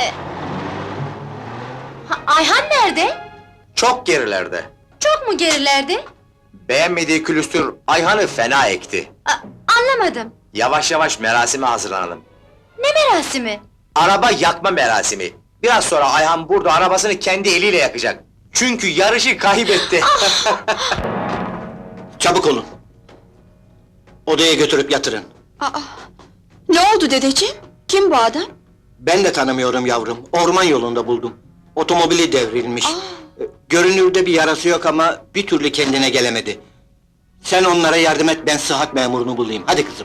Ayhan nerede? Çok gerilerde. Çok mu gerilerde? Beğenmediği külüstür Ayhan'ı fena ekti. Anlamadım. Yavaş yavaş merasime hazırlanalım. Ne merasimi? Araba yakma merasimi. Biraz sonra Ayhan burada arabasını kendi eliyle yakacak. Çünkü yarışı kaybetti. Çabuk olun. Odaya götürüp yatırın. Ne oldu dedeciğim? Kim bu adam? Ben de tanımıyorum yavrum. Orman yolunda buldum. Otomobili devrilmiş. Görünürde bir yarası yok ama bir türlü kendine gelemedi. Sen onlara yardım et, ben sıhhat memurunu bulayım. Hadi kızım.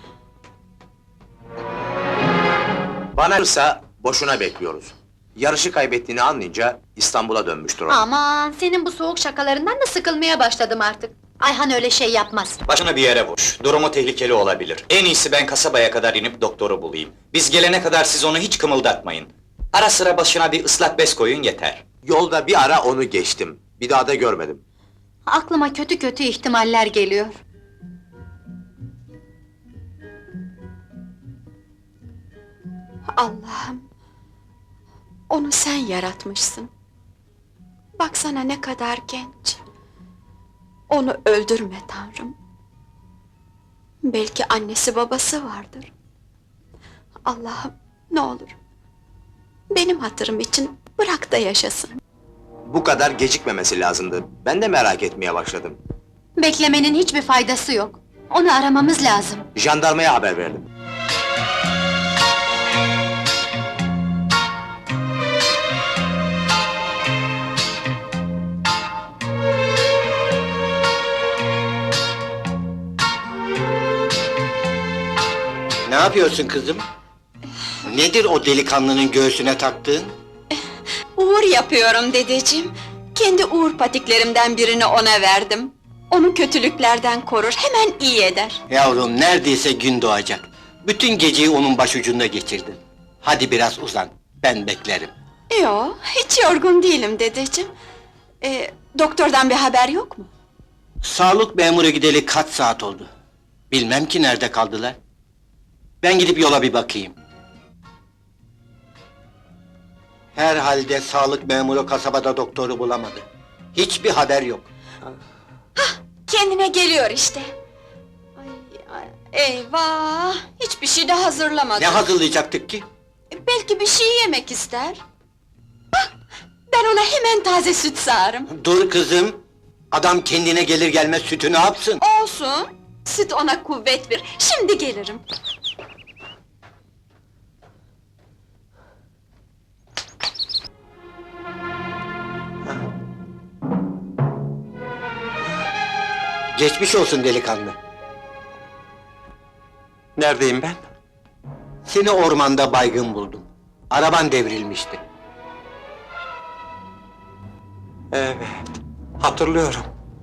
Bana kalırsa boşuna bekliyoruz. Yarışı kaybettiğini anlayınca İstanbul'a dönmüştür o. Aman, senin bu soğuk şakalarından da sıkılmaya başladım artık. Ayhan öyle şey yapmaz. Başına bir yere vur. Durumu tehlikeli olabilir. En iyisi ben kasabaya kadar inip doktoru bulayım. Biz gelene kadar siz onu hiç kımıldatmayın. Ara sıra başına bir ıslak bez koyun yeter. Yolda bir ara onu geçtim. Bir daha da görmedim. Aklıma kötü kötü ihtimaller geliyor. Allah'ım! Onu sen yaratmışsın. Baksana ne kadar genç. Onu öldürme Tanrım. Belki annesi babası vardır. Allah'ım, ne olur! Benim hatırım için bırak da yaşasın. Bu kadar gecikmemesi lazımdı. Ben de merak etmeye başladım. Beklemenin hiçbir faydası yok. Onu aramamız lazım. Jandarmaya haber verdim. Ne yapıyorsun kızım? Nedir o delikanlının göğsüne taktığın? Uğur yapıyorum dedeciğim. Kendi uğur patiklerimden birini ona verdim. Onu kötülüklerden korur, hemen iyi eder. Yavrum, neredeyse gün doğacak. Bütün geceyi onun başucunda geçirdin. Hadi biraz uzan, ben beklerim. Yo, hiç yorgun değilim dedeciğim. Doktordan bir haber yok mu? Sağlık memuru gideli kaç saat oldu? Bilmem ki nerede kaldılar. Ben gidip yola bir bakayım. Herhalde sağlık memuru kasabada doktoru bulamadı. Hiçbir haber yok. Kendine geliyor işte. Eyvah! Hiçbir şey de hazırlamadı. Ne hazırlayacaktık ki? Belki bir şey yemek ister. Ben ona hemen taze süt sağarım. Dur kızım! Adam kendine gelir gelmez sütü ne yapsın? Olsun! Süt ona kuvvet verir. Şimdi gelirim. Geçmiş olsun delikanlı. Neredeyim ben? Seni ormanda baygın buldum. Araban devrilmişti. Evet, hatırlıyorum.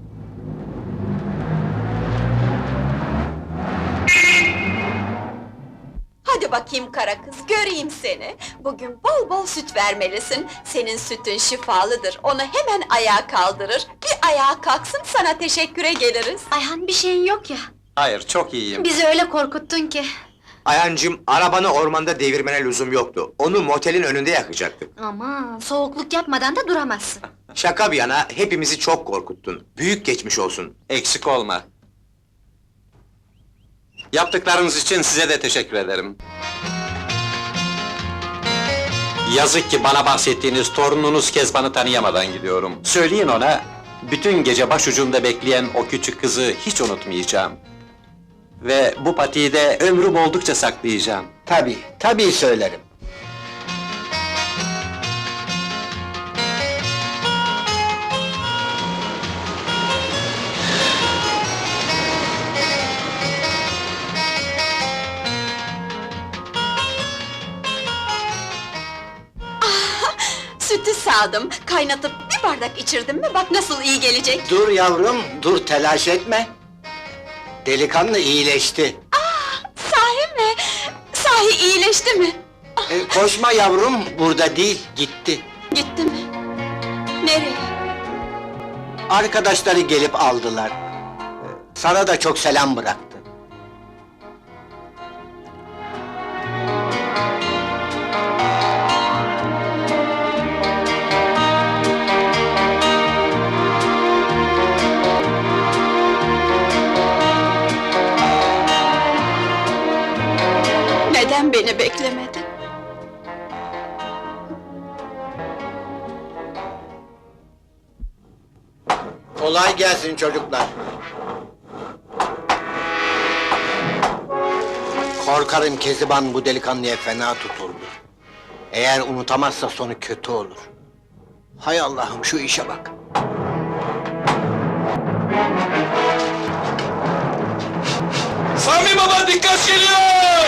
Hadi bakayım kara kız, göreyim seni. Bugün bol bol süt vermelisin. Senin sütün şifalıdır, onu hemen ayağa kaldırır. Bir ayağa kalksın, sana teşekküre geliriz. Ayhan, bir şeyin yok ya. Hayır, çok iyiyim. Bizi öyle korkuttun ki. Ayhancığım, arabanı ormanda devirmene lüzum yoktu. Onu motelin önünde yakacaktık. Aman, soğukluk yapmadan da duramazsın. Şaka bir yana, hepimizi çok korkuttun. Büyük geçmiş olsun. Eksik olma. Yaptıklarınız için size de teşekkür ederim. Yazık ki bana bahsettiğiniz torununuz Kezban'ı tanıyamadan gidiyorum. Söyleyin ona, bütün gece başucumda bekleyen o küçük kızı hiç unutmayacağım. Ve bu patiği de ömrüm oldukça saklayacağım. Tabii söylerim. Sütü sağdım, kaynatıp bir bardak içirdim mi, bak nasıl iyi gelecek. Dur yavrum, dur telaş etme. Delikanlı iyileşti. Sahi mi? Sahi iyileşti mi? Koşma yavrum, burada değil, gitti. Gitti mi? Nereye? Arkadaşları gelip aldılar. Sana da çok selam bıraktı. Kolay gelsin çocuklar. Korkarım Keziban bu delikanlıya fena tutuldu. Eğer unutamazsa sonu kötü olur. Hay Allah'ım, şu işe bak! Sami Baba dikkat geliyor!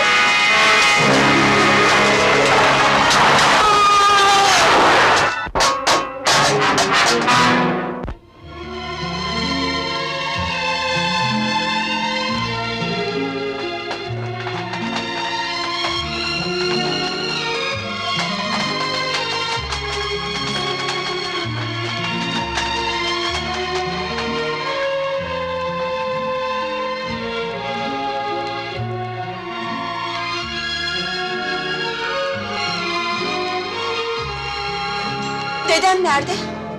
Dedem nerede?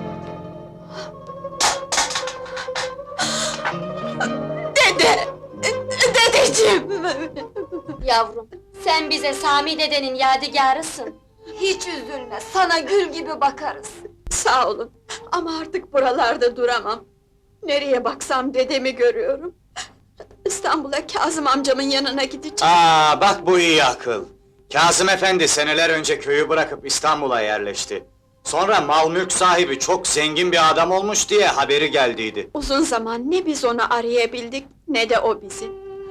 Dede! Dedeciğim! Yavrum, sen bize Sami dedenin yadigarısın. Hiç üzülme, sana gül gibi bakarız. Sağ olun, ama artık buralarda duramam. Nereye baksam dedemi görüyorum. İstanbul'a Kazım amcamın yanına gideceğim. Aa, bak bu iyi akıl. Kazım efendi seneler önce köyü bırakıp İstanbul'a yerleşti. Sonra mal mülk sahibi çok zengin bir adam olmuş diye haberi geldiydi. Uzun zaman ne biz onu arayabildik, ne de o bizi.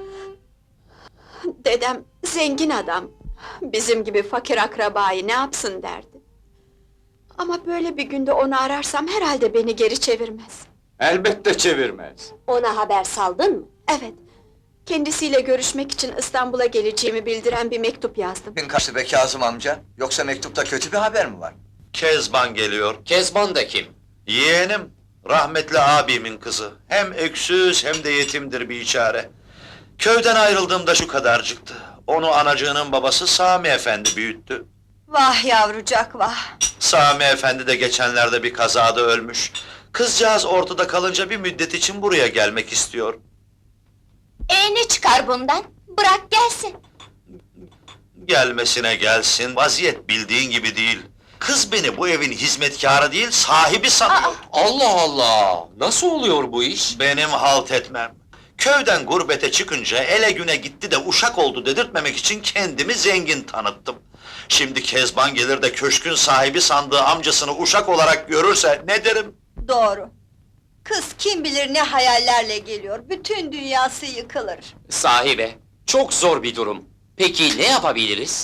Dedem zengin adam, bizim gibi fakir akrabayı ne yapsın derdi. Ama böyle bir günde onu ararsam herhalde beni geri çevirmez. Elbette çevirmez. Ona haber saldın mı? Evet, kendisiyle görüşmek için İstanbul'a geleceğimi bildiren bir mektup yazdım. Gün kaçtı be Kazım amca? Yoksa mektupta kötü bir haber mi var? Kezban geliyor. Kezban da kim? Yeğenim, rahmetli abimin kızı. Hem öksüz hem de yetimdir bir çare. Köyden ayrıldığımda şu kadarcıktı. Onu anacığının babası Sami Efendi büyüttü. Vah yavrucak vah! Sami Efendi de geçenlerde bir kazada ölmüş. Kızcağız ortada kalınca bir müddet için buraya gelmek istiyor. Ne çıkar bundan? Bırak gelsin. Gelmesine gelsin, vaziyet bildiğin gibi değil. Kız beni bu evin hizmetkarı değil, sahibi sanıyor. Allah Allah! Nasıl oluyor bu iş? Benim halt etmem. Köyden gurbete çıkınca ele güne gitti de uşak oldu dedirtmemek için kendimi zengin tanıttım. Şimdi Kezban gelir de köşkün sahibi sandığı amcasını uşak olarak görürse ne derim? Doğru. Kız kim bilir ne hayallerle geliyor, bütün dünyası yıkılır. Sahibe, çok zor bir durum. Peki ne yapabiliriz?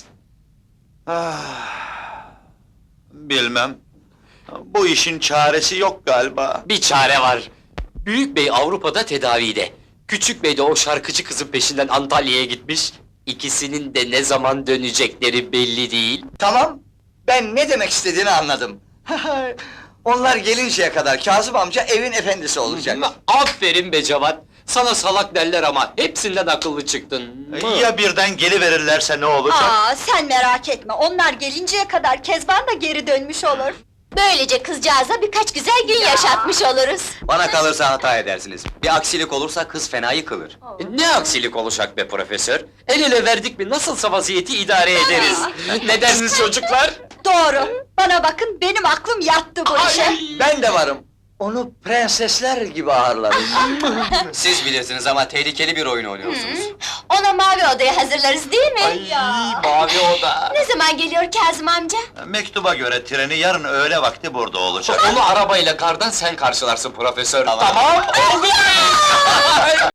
Bilmem. Bu işin çaresi yok galiba. Bir çare var. Büyük bey Avrupa'da tedavide. Küçük bey de o şarkıcı kızın peşinden Antalya'ya gitmiş. İkisinin de ne zaman dönecekleri belli değil. Tamam, ben ne demek istediğini anladım. Onlar gelinceye kadar Kazım amca evin efendisi olacak. Aferin be Cevat! Sana salak derler ama hepsinden akıllı çıktın. Ya birden geliverirlerse ne olacak? Sen merak etme, onlar gelinceye kadar Kezban da geri dönmüş olur. Böylece kızcağıza birkaç güzel gün yaşatmış oluruz. Bana kalırsa hata edersiniz. Bir aksilik olursa kız fena yıkılır. Ne aksilik olacak be profesör? El ele verdik mi nasılsa vaziyeti idare ederiz. Ne dersiniz çocuklar? Doğru, bana bakın benim aklım yattı bu işe. Ben de varım. Onu prensesler gibi ağırlarız. Siz bilirsiniz ama tehlikeli bir oyun oynuyorsunuz. Ona mavi odayı hazırlarız değil mi? Mavi oda. Ne zaman geliyor Kazım amca? Mektuba göre treni yarın öğle vakti burada olacak. Onu arabayla kardan sen karşılarsın profesör. Tamam.